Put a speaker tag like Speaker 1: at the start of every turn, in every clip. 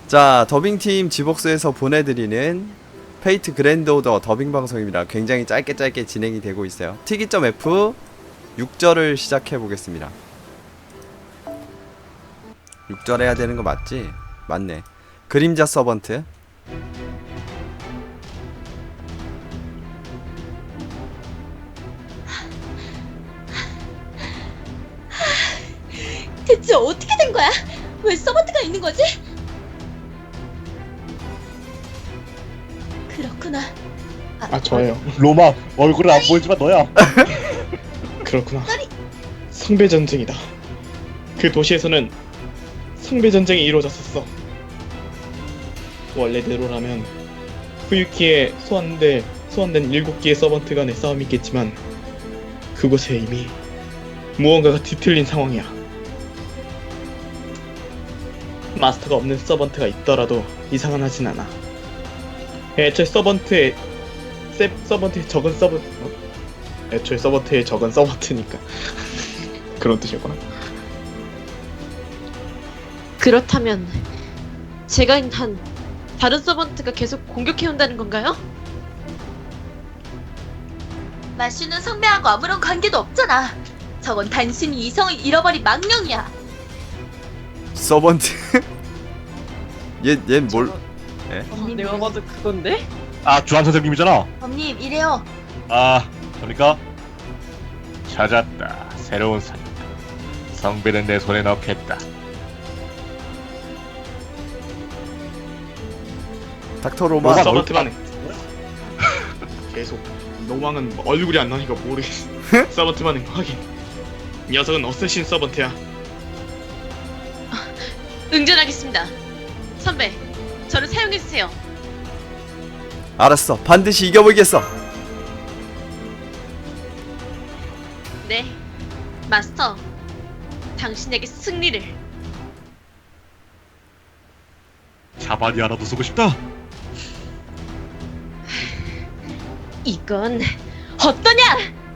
Speaker 1: 자, 더빙팀 지복스에서 보내드리는 페이트 그랜드 오더 더빙 방송입니다. 굉장히 짧게 진행이 되고 있어요. T기.F 6절을 시작해 보겠습니다. 6절 해야 되는 거 맞지? 맞네. 그림자 서번트.
Speaker 2: 대체 어떻게 된 거야? 왜 서버트가 있는 거지? 그렇구나.
Speaker 3: 저예요. 로마 얼굴은 안 보이지만 너야. 그렇구나. 성배 전쟁이다. 그 도시에서는 성배 전쟁이 이루어졌었어. 원래대로라면 후유키에 소환된 7개의 서번트 간의 싸움이 있겠지만 그곳에 이미 무언가가 뒤틀린 상황이야. 마스터가 없는 서번트가 있더라도 이상은 하진 않아. 애초에 서번트에 애초에 서번트에 적은 서번트니까 그런 뜻이었구나.
Speaker 4: 그렇다면 제가 있는 한 다른 서번트가 계속 공격해온다는 건가요?
Speaker 2: 마슈는 성배하고 아무런 관계도 없잖아. 저건 단순히 이성을 잃어버린 망령이야.
Speaker 1: 서번트. 얘 뭘? 예?
Speaker 4: 내가 봐도 그건데?
Speaker 5: 주한 선생님이잖아.
Speaker 2: 언님 이래요.
Speaker 5: 그러니까 찾았다. 새로운 사냥. 성배는 내 손에 넣겠다.
Speaker 1: 닥터 로마.
Speaker 3: 서번트만 해. 계속 노망은 얼굴이 안 나니까 모르겠어. 서번트만 해. 확인. 녀석은 어쌔신 서번트야.
Speaker 4: 응전하겠습니다. 선배, 저를 사용해주세요.
Speaker 1: 알았어. 반드시 이겨보겠어.
Speaker 4: 네, 마스터. 당신에게 승리를.
Speaker 5: 자반이 하나도 쓰고 싶다.
Speaker 4: 이건 어떠냐?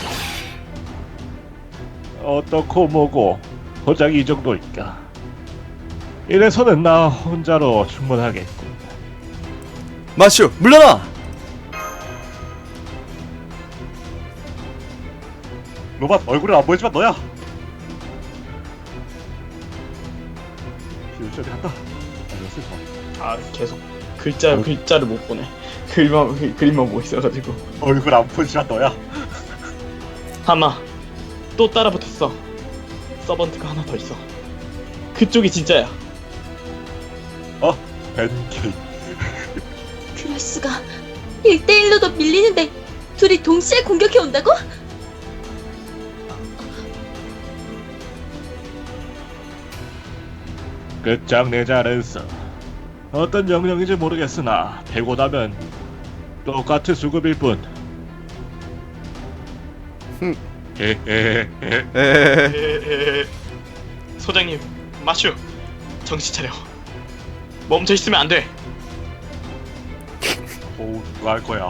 Speaker 5: 어떻고 뭐고 고작 이 정도일까. 이래서는 나 혼자로 충분하겠군.
Speaker 1: 마슈, 물러나.
Speaker 5: 로봇 얼굴은 안 보이지만 너야. 비웃셔야 한다. 알렸어.
Speaker 3: 계속 글자를 못 보네. 그림만 보고 있어가지고.
Speaker 5: 얼굴 안 보이지만 너야.
Speaker 3: 하마 또 따라붙었어. 서번트가 하나 더 있어. 그쪽이 진짜야.
Speaker 5: 벤케이.
Speaker 2: 그럴 수가. 1대1로도 밀리는데 둘이 동시에 공격해 온다고?
Speaker 5: 끝장내자는 써. 어떤 영역인지 모르겠으나 되고 나면 똑같은 수급일 뿐.
Speaker 1: 에헤헤.
Speaker 3: 소장님, 마슈, 정신 차려. 멈춰 있으면 안 돼.
Speaker 5: 누가 할 거야?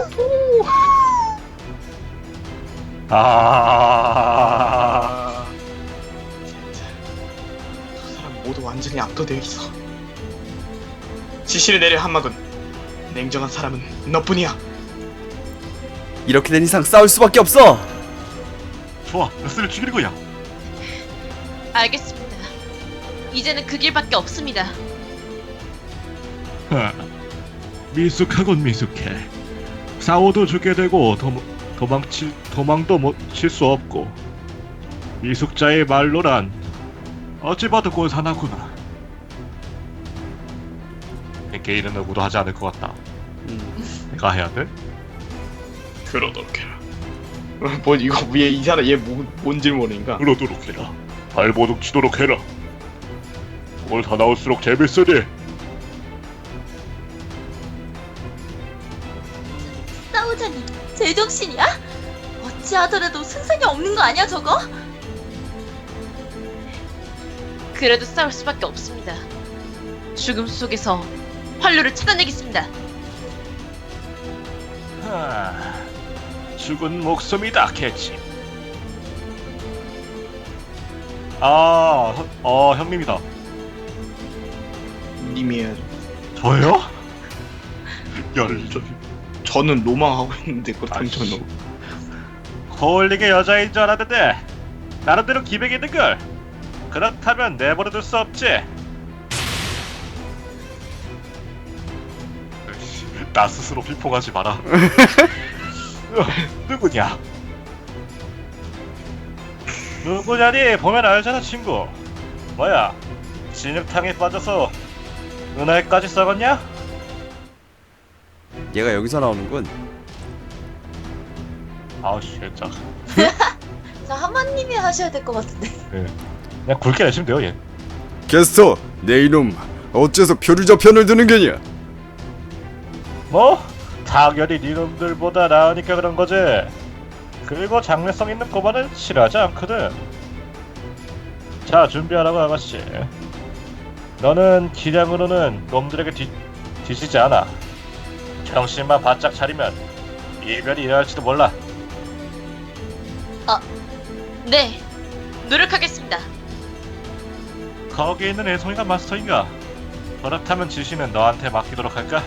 Speaker 3: 두 사람 모두 완전히 압도되어 있어. 지시를 내려 한마군. 냉정한 사람은 너뿐이야.
Speaker 1: 이렇게 된 이상 싸울 수밖에 없어.
Speaker 5: 좋아, 레스를 죽이는 거야.
Speaker 4: 알겠습니다. 이제는 그 길밖에 없습니다.
Speaker 5: 미숙하군 미숙해. 싸워도 죽게 되고 도망도 못 칠 수 없고 미숙자의 말로란 어찌 봐도 곤산하구나. 개인은 누구도 하지 않을 것 같다. 내가 해야 돼?
Speaker 3: 그러도록 해라. 뭐 이거 위에 이 사람 얘 뭔 질문인가?
Speaker 5: 그러도록 해라. 발버둥 치도록 해라. 뭘 더 나올수록 재밌으니.
Speaker 2: 싸우자니 제정신이야? 어찌하더라도 승산이 없는 거 아니야 저거?
Speaker 4: 그래도 싸울 수밖에 없습니다. 죽음 속에서 활로를 찾아내겠습니다.
Speaker 5: 죽은 목숨이다 캐치. 형님이다.
Speaker 3: 님이 해야죠.
Speaker 5: 저요? 열을
Speaker 3: 저는 로망하고 있는데 그렇다면
Speaker 5: 아이씨.
Speaker 3: 저는
Speaker 5: 홀릭의 여자인 줄 알았는데 나름대로 기백이 있는걸. 그렇다면 내버려둘 수 없지. 으이씨, 나 스스로 비폭하지 마라. 누구냐? 누구냐니 보면 알잖아 친구. 뭐야, 진흙탕에 빠져서 은하에까지 썩었냐?
Speaker 1: 얘가 여기서 나오는군.
Speaker 5: 아우 진짜.
Speaker 2: 저 한마님이 하셔야 될 것 같은데.
Speaker 5: 그냥 굵게 내시면 돼요 얘.
Speaker 1: 게스터, 내 이놈 어째서 표류자 편을 드는 게냐?
Speaker 5: 뭐? 당연히 니놈들보다 나으니까 그런 거지. 그리고 장래성 있는 고만은 싫어하지 않거든. 자, 준비하라고 아가씨. 너는 기량으로는 놈들에게 뒤지지 않아. 정신만 바짝 차리면 이별이 일어날지도 몰라.
Speaker 4: 네, 노력하겠습니다.
Speaker 5: 거기 있는 애송이가 마스터인가? 그렇다면 지시는 너한테 맡기도록 할까?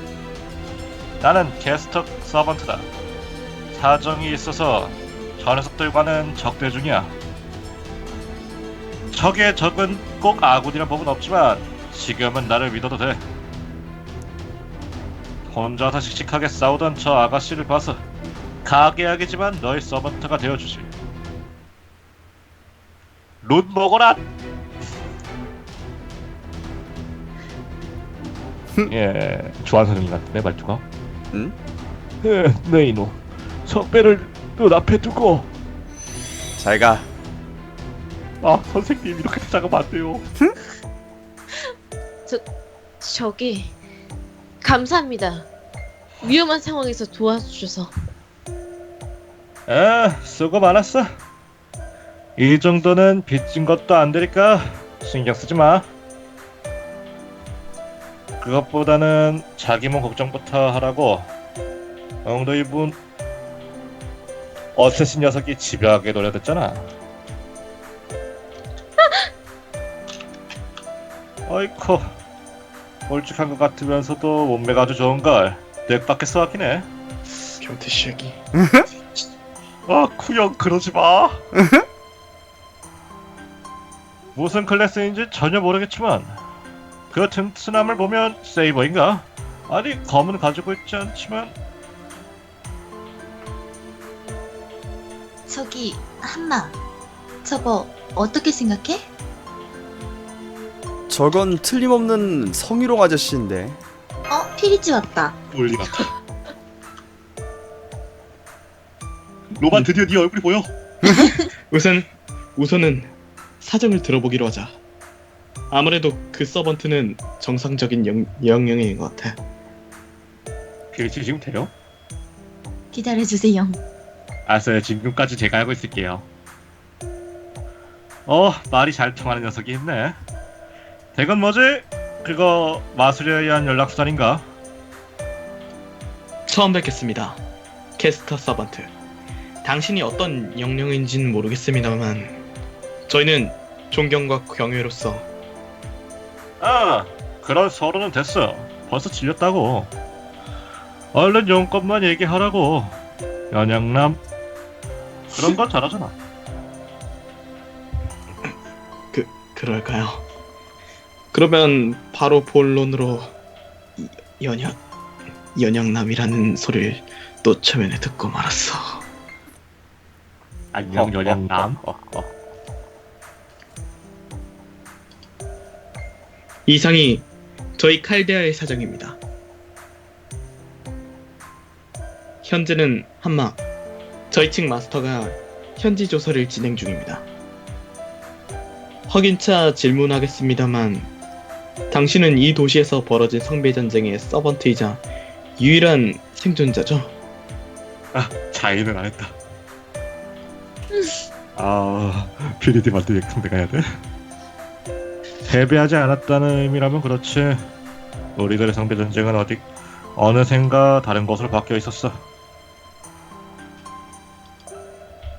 Speaker 5: 나는 게스트 서번트다. 사정이 있어서 저 녀석들과는 적대 중이야. 적의 적은 꼭 아군이란 법은 없지만 지금은 나를 믿어도 돼. 혼자서 씩씩하게 싸우던 저 아가씨를 봐서 가게하겠지만 너의 서번트가 되어주지. 룻 먹어라! 예, 조한 선생님 같은데 말투가?
Speaker 1: 응?
Speaker 5: 네 이놈, 석배를 눈앞에 두고.
Speaker 1: 잘 가.
Speaker 5: 아 선생님 이렇게 찾아가면 안 돼요.
Speaker 4: 저기 감사합니다. 위험한 상황에서 도와주셔서.
Speaker 5: 수고 많았어. 이 정도는 빚진 것도 안 되니까 신경 쓰지 마. 그것보다는 자기 몸 걱정부터 하라고. 엉덩이 분 어쌔신 녀석이 집요하게 노려댔잖아. 어이쿠, 멀쭉한 것 같으면서도 몸매가 아주 좋은걸. 넥밖에 쏘았기네.
Speaker 3: 변태 시작이.
Speaker 5: 아, 쿠형 그러지 마. 무슨 클래스인지 전혀 모르겠지만 그 튼튼함을 보면 세이버인가? 아니, 검은 가지고 있지 않지만.
Speaker 2: 저기 한마, 저거 어떻게 생각해?
Speaker 1: 저건 틀림없는 성희롱 아저씨인데.
Speaker 2: 피리지 왔다.
Speaker 5: 올리 같아. 로만 드디어 네 얼굴이 보여.
Speaker 3: 우선은 사정을 들어보기로 하자. 아무래도 그 서번트는 정상적인 영영인 것 같아.
Speaker 5: 필지 지금 돼요?
Speaker 2: 기다려주세요.
Speaker 5: 알았어요. 지금까지 제가 알고 있을게요. 말이 잘 통하는 녀석이 있네. 대건 뭐지? 그거 마술에 의한 연락수단인가?
Speaker 3: 처음 뵙겠습니다. 캐스터 서번트. 당신이 어떤 영령인지는 모르겠습니다만 저희는 존경과 경외로서
Speaker 5: 그런 서로는 됐어. 벌써 질렸다고. 얼른 용건만 얘기하라고. 연양남 그런 건 잘하잖아.
Speaker 3: 그럴까요? 그러면 바로 본론으로 연양남이라는 소리를 또 처음에 듣고 말았어.
Speaker 5: 안녕 연양남.
Speaker 3: 이상이 저희 칼데아의 사정입니다. 현재는 한마 저희 측 마스터가 현지 조사를 진행 중입니다. 확인차 질문하겠습니다만 당신은 이 도시에서 벌어진 성배 전쟁의 서번트이자 유일한 생존자죠?
Speaker 5: 자의는 안 했다. 피리디 만들 액통 내가 해야 돼? 패배하지 않았다는 의미라면 그렇지. 우리들의 성배 전쟁은 어느샌가 다른 곳으로 바뀌어 있었어.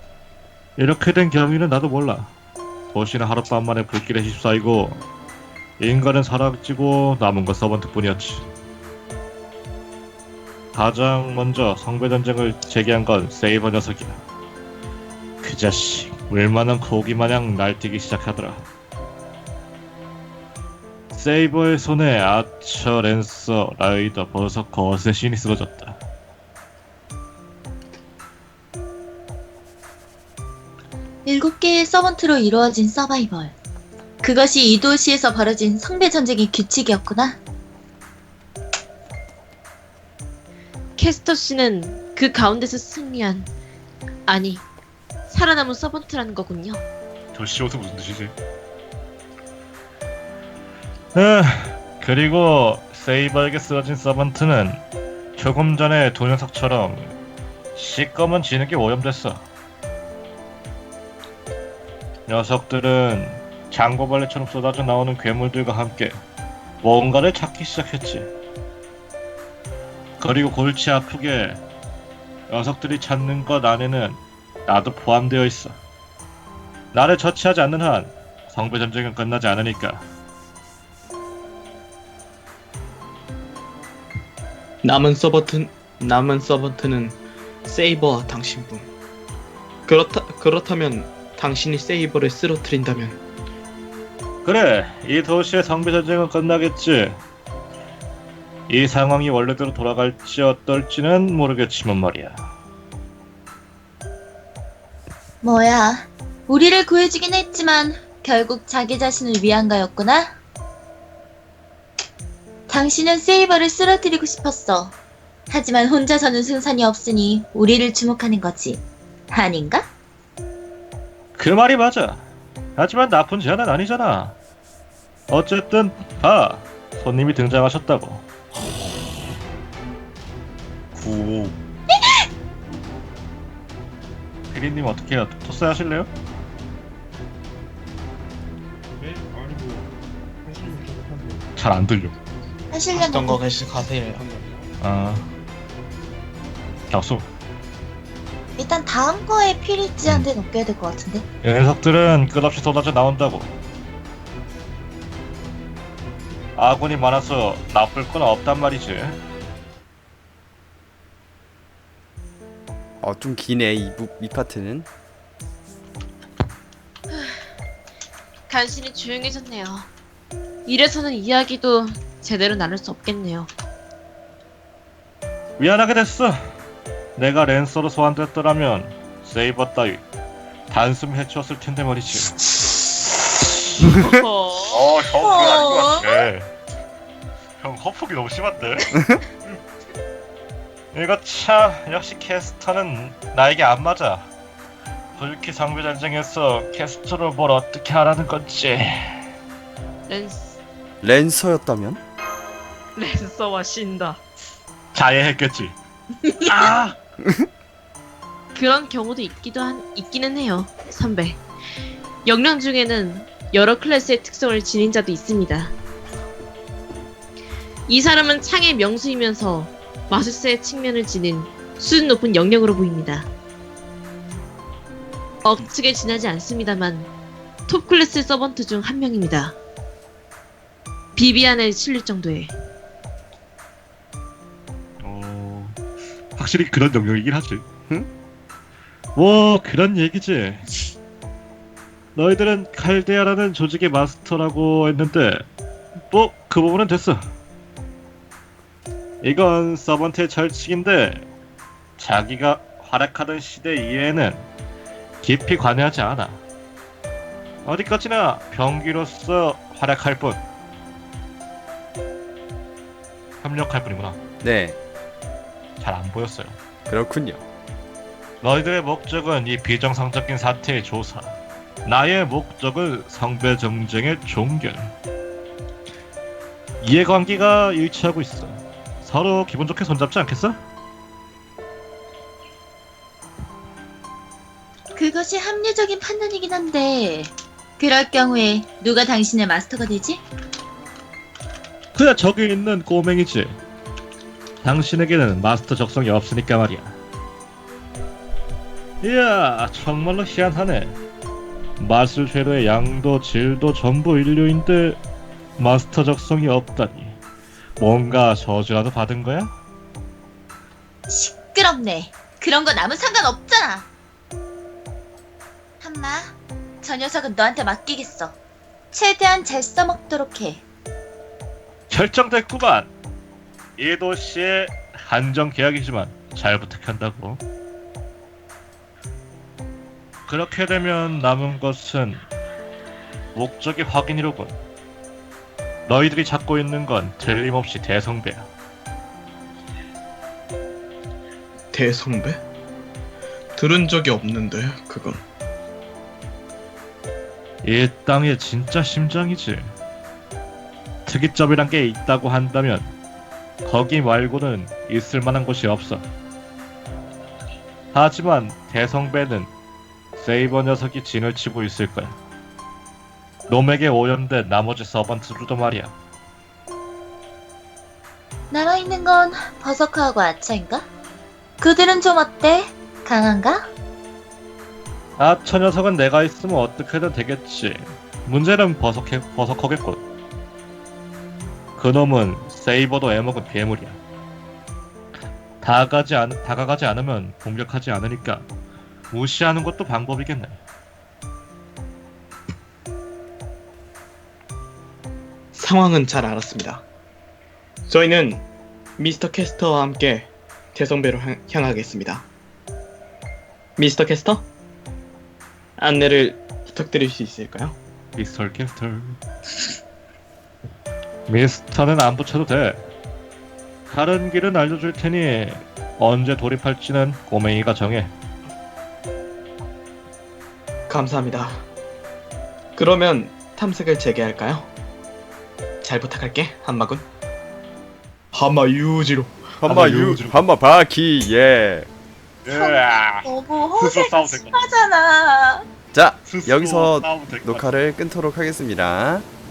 Speaker 5: 이렇게 된 경위는 나도 몰라. 도시는 하룻밤 만에 불길에 휩싸이고 인간은 사라지고 남은 건 서번트뿐이었지. 가장 먼저 성배전쟁을 제기한 건 세이버 녀석이야. 그 자식 물만한 고기 마냥 날뛰기 시작하더라. 세이버의 손에 아처, 랜서, 라이더, 버섯, 거센 신이 쓰러졌다.
Speaker 2: 일곱 개의 서번트로 이루어진 서바이벌. 그것이 이 도시에서 벌어진 성배 전쟁의 규칙이었구나.
Speaker 4: 캐스터 씨는 그 가운데서 승리한, 아니, 살아남은 서번트라는 거군요.
Speaker 5: 도시옷은 무슨 뜻이지? 그리고 세이버에게 쓰러진 서번트는 조금 전에 두 녀석처럼 시꺼먼 진흙에 오염됐어. 녀석들은 장고벌레처럼 쏟아져 나오는 괴물들과 함께 뭔가를 찾기 시작했지. 그리고 골치 아프게 녀석들이 찾는 것 안에는 나도 포함되어 있어. 나를 처치하지 않는 한 성배 전쟁은 끝나지 않으니까.
Speaker 3: 남은 서번트는 세이버와 당신뿐. 그렇다면 당신이 세이버를 쓰러뜨린다면
Speaker 5: 그래, 이 도시의 성배 전쟁은 끝나겠지. 이 상황이 원래대로 돌아갈지 어떨지는 모르겠지만 말이야.
Speaker 2: 뭐야, 우리를 구해주긴 했지만 결국 자기 자신을 위한 거였구나? 당신은 세이버를 쓰러뜨리고 싶었어. 하지만 혼자서는 승산이 없으니 우리를 주목하는 거지. 아닌가?
Speaker 5: 그 말이 맞아. 하지만 나쁜 제안은 아니잖아. 어쨌든 봐, 손님이 등장하셨다고. 구. 피디님 어떻게 해요? 토스 하실래요?
Speaker 3: 네? 아니 뭐 하시면 좋겠는데.
Speaker 5: 잘 안 들려.
Speaker 2: 하시려는
Speaker 3: 거 계속 가세요.
Speaker 5: 아, 격수.
Speaker 2: 일단 다음 거에 피리지한테 넘겨야 될 것 같은데.
Speaker 5: 이 녀석들은 끝없이 쏟아져 나온다고. 아군이 많아서 나쁠 건 없단 말이지.
Speaker 1: 좀 기네 이 파트는.
Speaker 4: 간신히 조용해졌네요. 이래서는 이야기도 제대로 나눌 수 없겠네요.
Speaker 5: 미안하게 됐어. 내가 랜서로 소환됐더라면 세이버 따위 단숨 해치웠을 텐데 말이지. 형 그거 아닌 것 같아. 형 허폭이 너무 심한데? 이거 참 역시 캐스터는 나에게 안 맞아. 불키 상배 전쟁에서 캐스터를 뭘 어떻게 하라는 건지.
Speaker 1: 랜서였다면?
Speaker 4: 랜서와 신다.
Speaker 5: 자해했겠지. 아!
Speaker 4: 그런 경우도 있기는 해요, 선배. 역량 중에는 여러 클래스의 특성을 지닌 자도 있습니다. 이 사람은 창의 명수이면서 마술사의 측면을 지닌 수준 높은 역량으로 보입니다. 억측에 지나지 않습니다만 톱 클래스 서번트 중 한 명입니다. 비비안에 실릴 정도의.
Speaker 5: 확실히 그런 영역이긴 하지.
Speaker 1: 응?
Speaker 5: 뭐 그런 얘기지. 너희들은 칼데아라는 조직의 마스터라고 했는데 뭐 그 부분은 됐어. 이건 서번트의 철칙인데 자기가 활약하던 시대 이해에는 깊이 관여하지 않아. 어디까지나 병기로서 활약할 뿐. 협력할 뿐이구나.
Speaker 1: 네,
Speaker 5: 잘 안 보였어요.
Speaker 1: 그렇군요.
Speaker 5: 너희들의 목적은 이 비정상적인 사태의 조사. 나의 목적은 성배 정쟁의 종결. 이해관계가 일치하고 있어. 서로 기분 좋게 손잡지 않겠어?
Speaker 2: 그것이 합리적인 판단이긴 한데 그럴 경우에 누가 당신의 마스터가 되지?
Speaker 5: 그야 저기 있는 꼬맹이지. 당신에게는 마스터 적성이 없으니까 말이야. 이야, 정말로 희한하네. 마술 재료의 양도 질도 전부 인류인데 마스터 적성이 없다니. 뭔가 저주라도 받은 거야?
Speaker 2: 시끄럽네. 그런 건 아무 상관없잖아. 한마, 저 녀석은 너한테 맡기겠어. 최대한 잘 써먹도록 해.
Speaker 5: 결정됐구만. 이 도시의 한정 계약이지만 잘 부탁한다고. 그렇게 되면 남은 것은 목적의 확인이로군. 너희들이 찾고 있는 건 틀림없이 대성배야.
Speaker 3: 대성배? 들은 적이 없는데 그건.
Speaker 5: 이 땅의 진짜 심장이지. 특이점이란 게 있다고 한다면 거기 말고는 있을 만한 곳이 없어. 하지만 대성배는 세이버 녀석이 진을 치고 있을 거야. 놈에게 오염된 나머지 서번트들도 말이야.
Speaker 2: 남아있는 건 버서커하고 아처인가? 그들은 좀 어때? 강한가?
Speaker 5: 아, 저 녀석은 내가 있으면 어떻게든 되겠지. 문제는 버석하겠군. 그놈은 세이버도 애먹은 괴물이야. 다가가지 않으면 공격하지 않으니까 무시하는 것도 방법이겠네.
Speaker 3: 상황은 잘 알았습니다. 저희는 미스터 캐스터와 함께 대성배로 향하겠습니다. 미스터 캐스터? 안내를 부탁드릴 수 있을까요?
Speaker 5: 미스터 캐스터. 미스터는 안 붙여도 돼. 다른 길은 알려줄 테니 언제 돌입할지는 꼬맹이가 정해.
Speaker 3: 감사합니다. 그러면 탐색을 재개할까요? 잘 부탁할게, 한마군. 한마 유지로.
Speaker 1: 한마 바퀴 예.
Speaker 5: 으아.
Speaker 2: 너무
Speaker 5: 스스로
Speaker 2: 허세가
Speaker 5: 싸우면 될 것
Speaker 2: 심하잖아.
Speaker 1: 자,
Speaker 5: 스스로
Speaker 1: 여기서
Speaker 5: 싸우면 될것 같아.
Speaker 1: 녹화를 끊도록 하겠습니다.